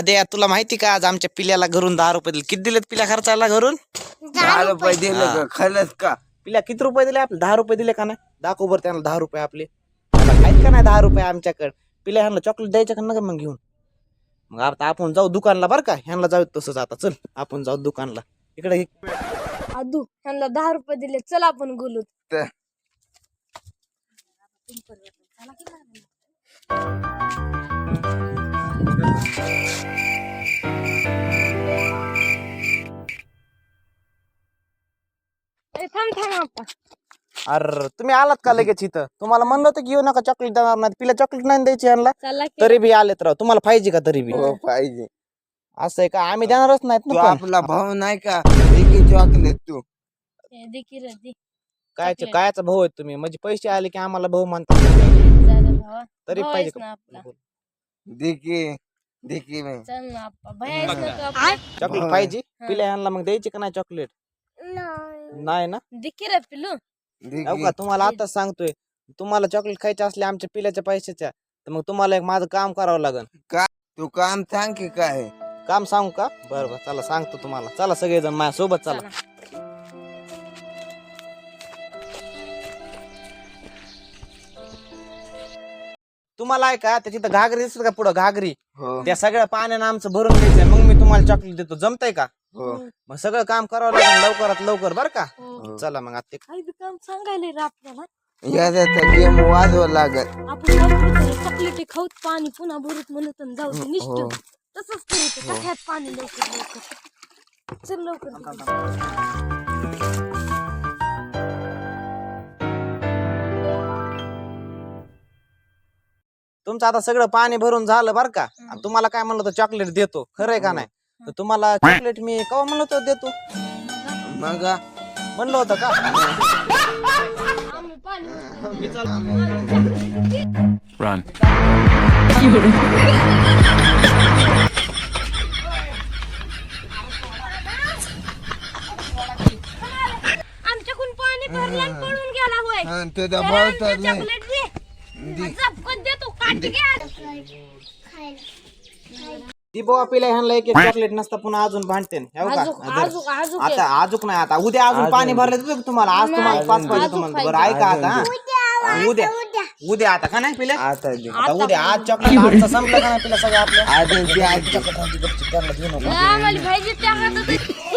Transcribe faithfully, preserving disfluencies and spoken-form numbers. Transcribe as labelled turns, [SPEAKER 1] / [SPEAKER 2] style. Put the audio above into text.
[SPEAKER 1] आद्या तुला माहिती का आज आमच्या पिल्याला घरून दहा रुपये दिले. किती दिलेत पिल्या खर्चाला घरून?
[SPEAKER 2] दहा रुपये दिले का खरंच का?
[SPEAKER 1] पिल्या किती रुपये दिले आपले? दहा रुपये दिले का नाही? दाखव बरं त्यांना दहा रुपये आपले. आता आहेत का नाही दहा रुपये आमच्याकडे? पिल्या ह्यांना चॉकलेट द्यायचं का नका मग घेऊन? मग आता आपण जाऊ दुकानला बरं का? ह्यांना जाऊ तसंच आता चल आपण जाऊ दुकानला. इकडे ये.
[SPEAKER 3] आदू ह्यांना दहा रुपये दिले, चल आपण बोलू.
[SPEAKER 2] तर
[SPEAKER 3] ए, थांब थांब आपण
[SPEAKER 1] अरे तुम्ही आलात का लगेच इथं? तुम्हाला म्हणलं होतं की येऊ नका चॉकलेट देणार नाही. पिल्या चॉकलेट नाही द्यायची ह्यांना.
[SPEAKER 3] चला की.
[SPEAKER 1] तरी बी आलेत राव. तुम्हाला पाहिजे का तरी बी?
[SPEAKER 2] हो पाहिजे.
[SPEAKER 1] असं आहे का? आम्ही देणारच नाहीत
[SPEAKER 2] तू
[SPEAKER 1] ना पण.
[SPEAKER 2] आपला भाऊ नाही का? एक चॉकलेट तू
[SPEAKER 3] ए, दे की रे, दे.
[SPEAKER 1] कायचे
[SPEAKER 3] चॉकलेट.
[SPEAKER 1] कायचा भाऊ आहे तुम्ही? म्हणजे पैसे आले की आम्हाला भाऊ म्हणतात.
[SPEAKER 3] जरा भावा,
[SPEAKER 1] तरी
[SPEAKER 3] भाऊ
[SPEAKER 1] पाहिजे
[SPEAKER 3] आहेस ना आपला.
[SPEAKER 1] का?
[SPEAKER 2] दे की दे की मी
[SPEAKER 3] चल ना आप्पा, भैया आहेस ना तू आपला?
[SPEAKER 1] चॉकलेट
[SPEAKER 2] होय.
[SPEAKER 1] पाहिजे?
[SPEAKER 3] हा.
[SPEAKER 1] पिल्या ह्यांना मग द्यायची का नाही चॉकलेट? नाही ना?
[SPEAKER 3] दे की रे पिलू.
[SPEAKER 2] दे
[SPEAKER 1] हो
[SPEAKER 2] की.
[SPEAKER 1] का तुम्हाला आताच सांगतोय. तुम्हाला चॉकलेट खायचे असले आमच्या पिल्याच्या पैशाच्या तर मग तुम्हाला एक माझं काम करावं लागेल.
[SPEAKER 2] तू काम सांग की काय?
[SPEAKER 1] काम सांगू का? बरं बरं चला सांगतो तुम्हाला. चला सगळेजण माझ्या सोबत चला. तुम्हाला आहे का त्याची तर घागरी दिसत का पुढं घागरी?
[SPEAKER 2] हो
[SPEAKER 1] त्या सगळ्या पाण्यानं आमचं भरून घ्यायचंय मग मी तुम्हाला चॉकलेट देतो. जमतंय का?
[SPEAKER 2] हो
[SPEAKER 1] मग सगळं काम करावं लागेल लवकरात लवकर बरं का?
[SPEAKER 3] हो.
[SPEAKER 1] चला मग आता ते-
[SPEAKER 3] काही बी काम सांगायला रे आपल्याला.
[SPEAKER 2] याचा गेम वाजवा लागत.
[SPEAKER 3] आपण चॉकलेट खाऊत पाणी पुन्हा भरत म्हणत आणि जाऊ दे
[SPEAKER 2] हो.
[SPEAKER 3] निष्ठ. तसंच करीत टाक्यात पाणी लवकर लवकर. चल लवकर.
[SPEAKER 1] तुमचं आता सगळं पाणी भरून झालं बरं का? आणि तुम्हाला काय म्हणलं होतं चॉकलेट देतो खरंय का नाही? तर तुम्हाला चॉकलेट मी केव्हा म्हणलं होतं देतो?
[SPEAKER 2] मग
[SPEAKER 1] म्हणलं होतं का?
[SPEAKER 3] आम्ही पाणी
[SPEAKER 4] Run.
[SPEAKER 3] आमच्याकडून पाणी भरलं आणि पळून गेला होय.
[SPEAKER 2] हा, तुझा भाऊ तर नाही.
[SPEAKER 3] चॉकलेट दे. झपकन देतो काट घ्या.
[SPEAKER 1] ती बोवा पिल्या ह्यांना एक एक चॉकलेट नसता पुन्हा अजून भांडते
[SPEAKER 3] आजूक आजूक आजूक
[SPEAKER 1] आता आजूक नाही आता उद्या अजून पाणी भरलं देतो का तुम्हाला? आज तुम्हाला पाच पाहिजे तुम्हाला. बरं ऐका आता हा. उद्या उद्या आता का नाही पिल्या?
[SPEAKER 2] आता दे.
[SPEAKER 1] आता उद्या आज चॉकलेट आजचं संपलं का नाही पिल्या सगळं आपलं?
[SPEAKER 2] आज दे, आज दे.
[SPEAKER 1] चॉकलेट आणली गपचूप, त्यांना देऊ नको.
[SPEAKER 3] आम्हाला पाहिजे त्या हातात